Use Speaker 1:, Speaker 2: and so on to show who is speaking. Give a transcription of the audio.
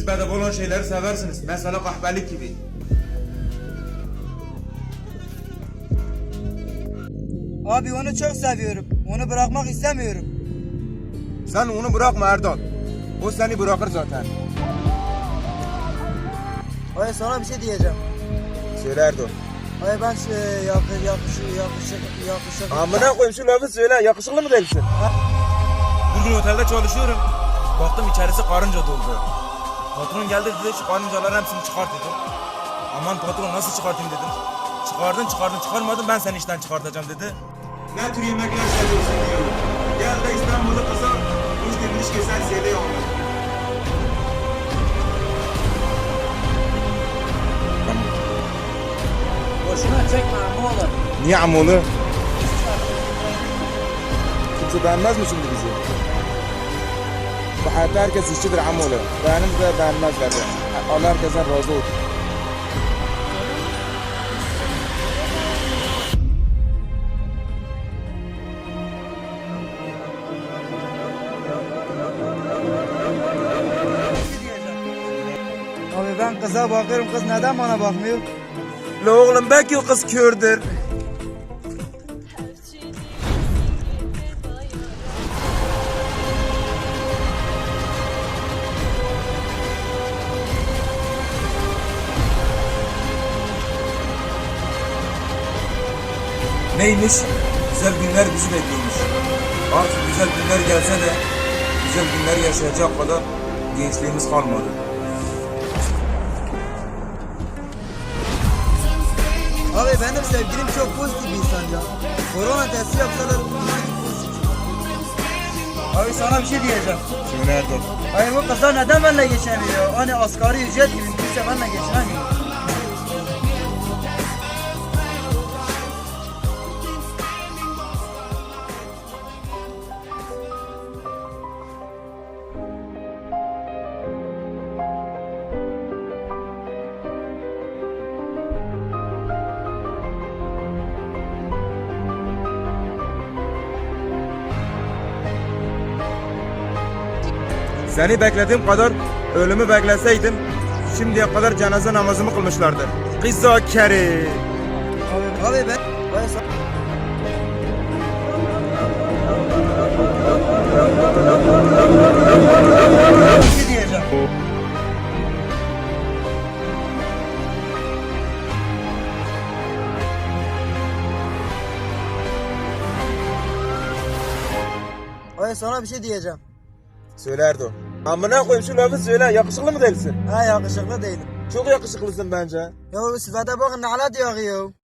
Speaker 1: Siz bedava olan şeyleri seversiniz. Mesela kahpelik gibi.
Speaker 2: Abi onu çok seviyorum. Onu bırakmak istemiyorum.
Speaker 1: Sen onu bırakma Erdal. O seni bırakır zaten.
Speaker 2: Hayır sana bir şey diyeceğim.
Speaker 1: Söyle Erdal.
Speaker 2: Hayır ben yakışık.
Speaker 1: Amına koyayım şu lafı söyle. Yakışıklı mı değilsin? Bugün otelde çalışıyorum. Baktım içerisi karınca doldu. Patron geldi dedi şu karıncaların hepsini çıkart dedi. Aman patron nasıl çıkartayım dedim. Çıkardın çıkarmadın ben seni işten çıkartacağım dedi. Ne tür yemekler seviyorsun diyorum. Gel de İstanbul'da kıza kuş demiş keser seni yollar.
Speaker 2: Boşuna çekme amma olur.
Speaker 1: Niye amolu? Kimse beğenmez mi şimdi bizi? Bu hayatta herkes işçidir amolu. Beğenir de beğenmezler de. Allah herkesten razı olsun.
Speaker 2: Abi ben kıza bakıyorum, kız neden bana bakmıyor?
Speaker 1: La oğlum belki o kız kördür. Neymiş? Güzel günler bizi bekliyormuş. Artık güzel günler gelse de güzel günler yaşayacak kadar gençliğimiz kalmadı.
Speaker 2: Abi benim sevgilim çok pozitif bir insan ya. Korona testi yapsalar pozitif. Abi sana bir şey diyeceğim.
Speaker 1: Söyle Erdal.
Speaker 2: Hayır bu kızlar neden benimle geçemiyor? Hani asgari ücret gibi kimse benimle geçinemiyor.
Speaker 1: Seni beklediğim kadar ölümü bekleseydim şimdiye kadar cenaze namazımı kılmışlardı. Kızza keri.
Speaker 2: Abi ben... Hayır sana... Bir şey diyeceğim. Hayır sana bir şey diyeceğim.
Speaker 1: Söyle Erdoğan. Amına koyayım şu lafı söyle. Yakışıklı mı değilsin?
Speaker 2: Ha yakışıklı değilim.
Speaker 1: Çok yakışıklısın bence.
Speaker 2: Ya bu sıfata bakın ne ala diyor ya.